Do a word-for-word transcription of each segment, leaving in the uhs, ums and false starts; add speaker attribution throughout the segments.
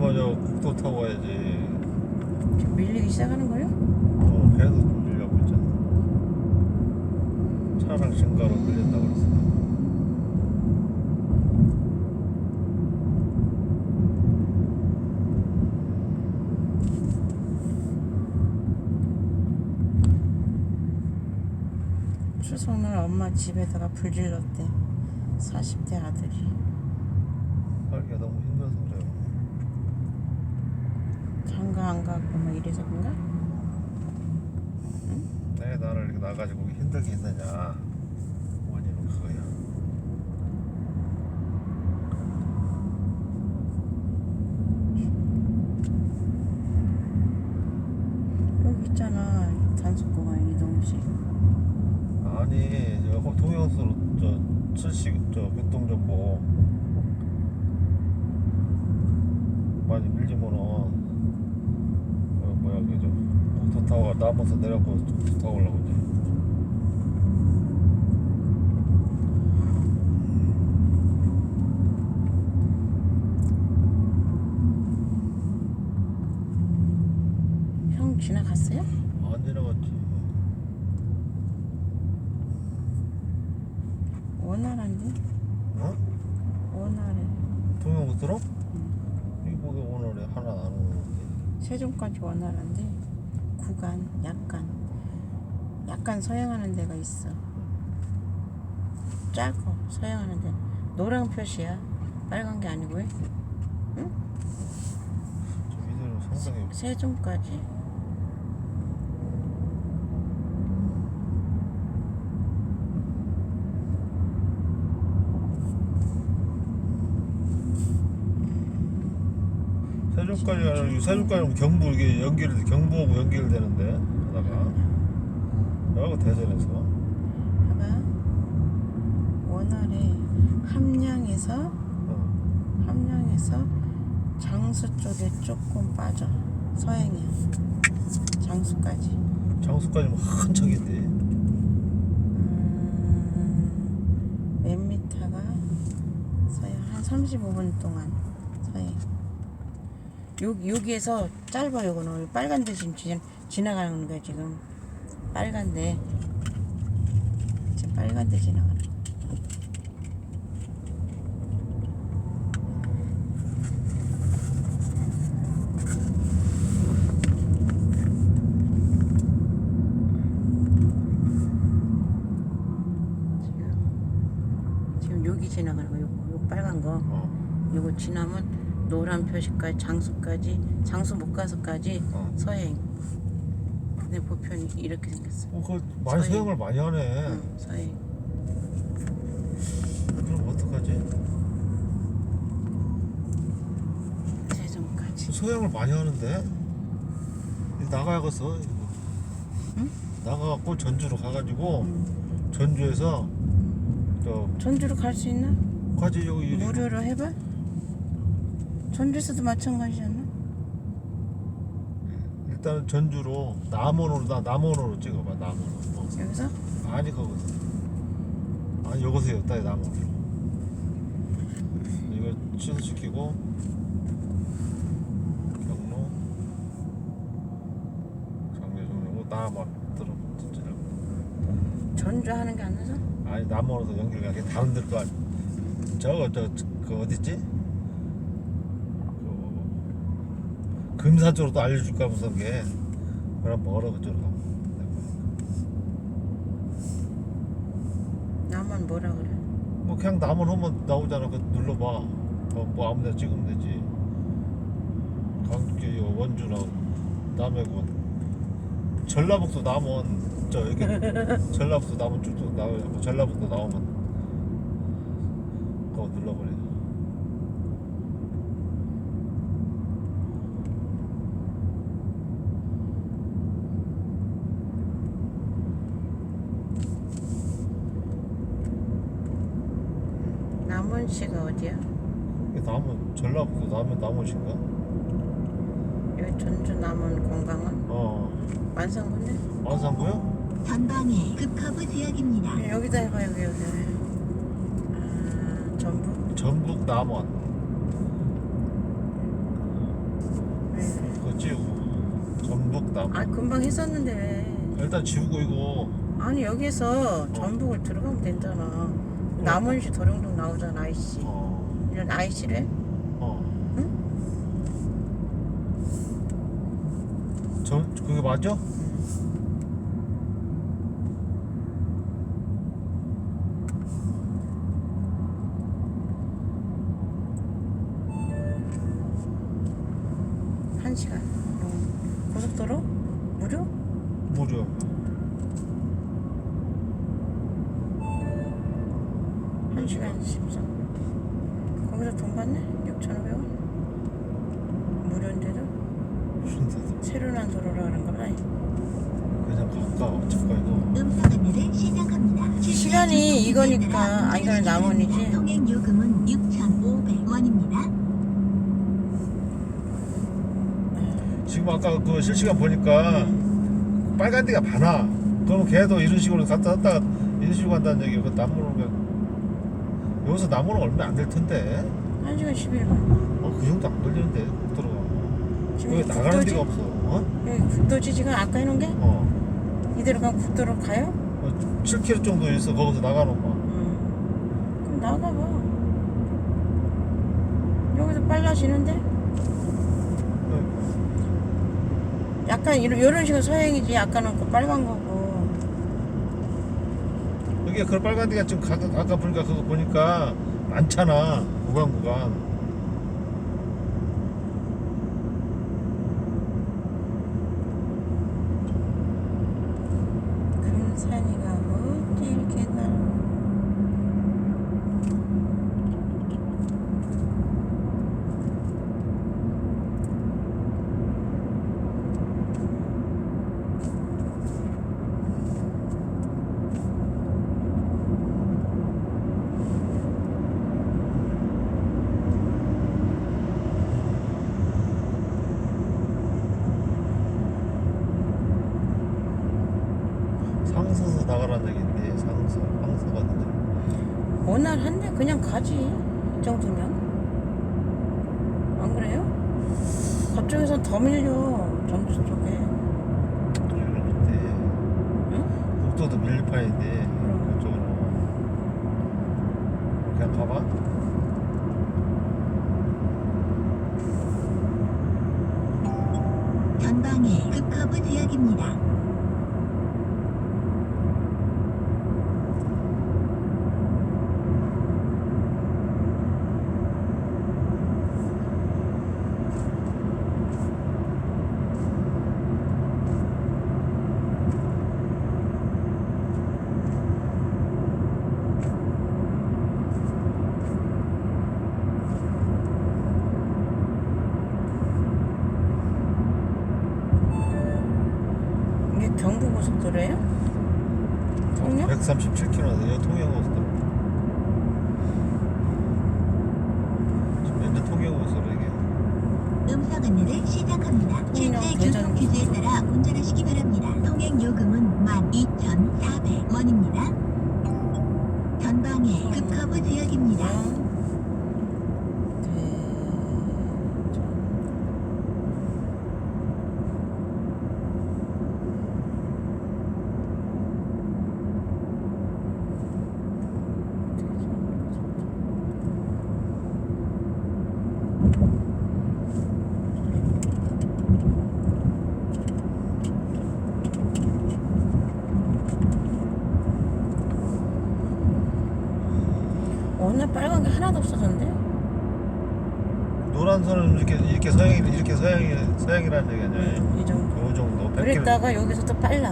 Speaker 1: 가려면 저 국도 타고 가야지.
Speaker 2: 지금 밀리기 시작하는 거예요?
Speaker 1: 어, 계속 밀려고 있잖아. 차량 증가로 밀린다고 그랬어.
Speaker 2: 추석날 엄마 집에다가 불 질렀대. 사십 대 아들이.
Speaker 1: 살기가 너무 힘들어서 그래요.
Speaker 2: 장가 안 가고 뭐 이래서 그런가?
Speaker 1: 내 나를 이렇게 나가지고 힘들게 했느냐. 원인은 그거야.
Speaker 2: 여기 있잖아. 단속공항 이동식.
Speaker 1: 아니, 저 동영수로 저 실시 저 교통정보 많이 밀리면은 어, 뭐야 그죠? 국도 타고 남아서 내려고 국도 타고 올라고 이제.
Speaker 2: 형 지나갔어요?
Speaker 1: 안 지나갔지.
Speaker 2: 원활한데?
Speaker 1: 어?
Speaker 2: 원활해.
Speaker 1: 동영수로? 이거 오늘에 하나 안 오는데.
Speaker 2: 세종까지 원활한데 구간 약간 약간 서행하는 데가 있어. 작어 서행하는 데. 노란 표시야. 빨간 게 아니고. 응?
Speaker 1: 저 이대로 상당히
Speaker 2: 세종까지.
Speaker 1: 세종까지 가는 세종까지 경부 이게 연결 경부하고 연결되는데 하다가 여기 대전에서
Speaker 2: 봐봐. 원활해. 함량에서
Speaker 1: 어.
Speaker 2: 함량에서 장수 쪽에 조금 빠져. 서행이야. 장수까지.
Speaker 1: 장수까지 뭐 한척인데.
Speaker 2: 음, 몇 미터가 서행 한 삼십오 분 동안 서행. 여기 여기에서 짧아. 요거는 빨간 데 지금 지, 지나가는 거야 지금. 빨간 데 지금 빨간 데 지나가는 거. 지금 지금 여기 지나가는 거. 요거 요 빨간 거.
Speaker 1: 어.
Speaker 2: 요거 지나면 노란 표시까지 장수까지 장수 못 가서까지
Speaker 1: 어.
Speaker 2: 서행. 근데 보편이 이렇게 생겼어.
Speaker 1: 어, 그 많이
Speaker 2: 서행.
Speaker 1: 서행을 많이 하네.
Speaker 2: 응, 서행.
Speaker 1: 그럼 어떡하지?
Speaker 2: 세종까지.
Speaker 1: 서행을 많이 하는데 나가야겠어. 이거.
Speaker 2: 응?
Speaker 1: 나가갖고 전주로 가가지고
Speaker 2: 응.
Speaker 1: 전주에서 저
Speaker 2: 전주로 갈 수 있나?
Speaker 1: 가지 여기 이리-
Speaker 2: 무료로 해봐. 전주에서도 마찬가지지 않나?
Speaker 1: 일단은 전주로 남원으로 나 남원으로 찍어봐. 남원으로. 어.
Speaker 2: 여기서?
Speaker 1: 아니 거기서. 아니 여기서 여기다 남원으로. 이거 취소시키고 경로 장례종로 남원 들어 진짜.
Speaker 2: 전주 하는 게 안 나서?
Speaker 1: 아니 남원으로 연결가게 다른 데로 가. 저거 저 그 어딨지? 그 금산 쪽으로 또 알려줄까 무슨 게. 그럼 멀어 그쪽으로 가.
Speaker 2: 나만 뭐라 그래?
Speaker 1: 뭐 그냥 남원 하면 나오잖아. 그 눌러봐. 어, 뭐 아무데나 찍으면 되지. 강북 원주나 남해군 전라북도 남원 저 여기 전라북도 남원 쭉쭉 나오고 전라북도 나오면 그거 눌러버려.
Speaker 2: 남원시가 어디야?
Speaker 1: 이게 남원 전라북도 남원 남원인가?
Speaker 2: 여기 전주 남원 공강은?
Speaker 1: 어
Speaker 2: 완산군네?
Speaker 1: 안산구요?
Speaker 3: 전방에 급커브 지역입니다.
Speaker 2: 여기다 해봐. 여기 여기. 아, 전북?
Speaker 1: 전북 남원 전북 남.
Speaker 2: 아 금방 했었는데 왜?
Speaker 1: 일단 지우고 이거.
Speaker 2: 아니 여기서 전북을 들어가면 된잖아. 남원시 도령동 나오잖아 아이씨.
Speaker 1: 어.
Speaker 2: 이런 아이씨래?
Speaker 1: 어.
Speaker 2: 응?
Speaker 1: 저 그게 맞아?
Speaker 2: 한 시간. 어. 고속도로 무료?
Speaker 1: 무료.
Speaker 2: 한 시간 십삼. 거기서 돈 받네? 육천오백 원? 무료인데도
Speaker 1: 무슨
Speaker 2: 새로 난 도로라 하는 거라.
Speaker 1: 그냥 가까워. 잠깐 이거.
Speaker 3: 음성 안내를 시작합니다.
Speaker 2: 시간이 이거니까 아 이거는 남원이지.
Speaker 3: 통행 요금은 육천오백 원입니다.
Speaker 1: 지금 아까 그 실시간 보니까 빨간 데가 많아. 그러면 걔도 이런 식으로 갔다 왔다가 이런 식으로 간다는 얘기. 그 남문은 여기서 남문은 얼마 안 될 텐데.
Speaker 2: 한 시간 십일 분.
Speaker 1: 어, 그 정도 안 걸리는데 국도로가.
Speaker 2: 지금
Speaker 1: 여기 나가는
Speaker 2: 국도지?
Speaker 1: 데가 없어. 어?
Speaker 2: 여기 국도지 지금 아까 해놓은 게?
Speaker 1: 어.
Speaker 2: 이대로 가면 국도로 가요?
Speaker 1: 어, 칠 킬로미터 정도 있어. 거기서 나가는 거.
Speaker 2: 음. 그럼 나가봐. 여기서 빨라지는데? 약간 이런, 이런 식으로 서행이지. 약간은 그 빨간 거고.
Speaker 1: 여기 그 빨간 데가 지금 가, 아까 보니까 그거 보니까 많잖아. 구간 구간.
Speaker 2: 금산이가 어디 이렇게 날
Speaker 1: 상서서 나가라는 얘기인데 상서 상서가 있는데.
Speaker 2: 원활한데 그냥 가지. 이 정도면. 안 그래요? 그쪽에선 더 밀려. 전주 쪽에.
Speaker 1: 이런데
Speaker 2: 응?
Speaker 1: 국도도 밀판인데
Speaker 2: 그럼.
Speaker 1: 그쪽으로 그냥 가봐.
Speaker 3: 전방에 급커브 지역입니다.
Speaker 2: 이게 경부고속도로예요? 통영?
Speaker 1: 백삼십칠 킬로미터 여기 통영고속도로. 지금 현재 통영고속도로 이게.
Speaker 3: 음성 안내를 시작합니다.
Speaker 2: 통영,
Speaker 3: 실제
Speaker 2: 대전.
Speaker 3: 교통 규제에 따라 운전하시기 바랍니다. 통행 요금은 만 이천사백 원입니다. 전방에 급커브 지역입니다.
Speaker 2: 오늘 빨간 게 하나도 없어졌는데?
Speaker 1: 노란 선은 이렇게 이렇게 서양이 이렇게 서양이 서양이라는 얘기 아니야?
Speaker 2: 응, 이 정도.
Speaker 1: 요 정도 백 킬로미터.
Speaker 2: 그랬다가 여기서 또 빨라.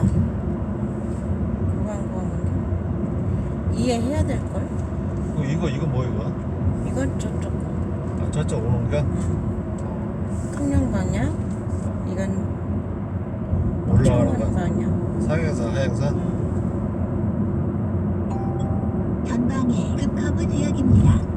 Speaker 2: 구간 구간 이해해야 될 걸.
Speaker 1: 어, 이거 이거 뭐 이거?
Speaker 2: 이건 저쪽 거.
Speaker 1: 아 저쪽 오는 게?
Speaker 2: 통영 방향. 이건
Speaker 1: 올라가는
Speaker 2: 청원
Speaker 1: 거.
Speaker 2: 방향.
Speaker 1: 상해산 하양산.
Speaker 3: 전방에 급커브 지역입니다.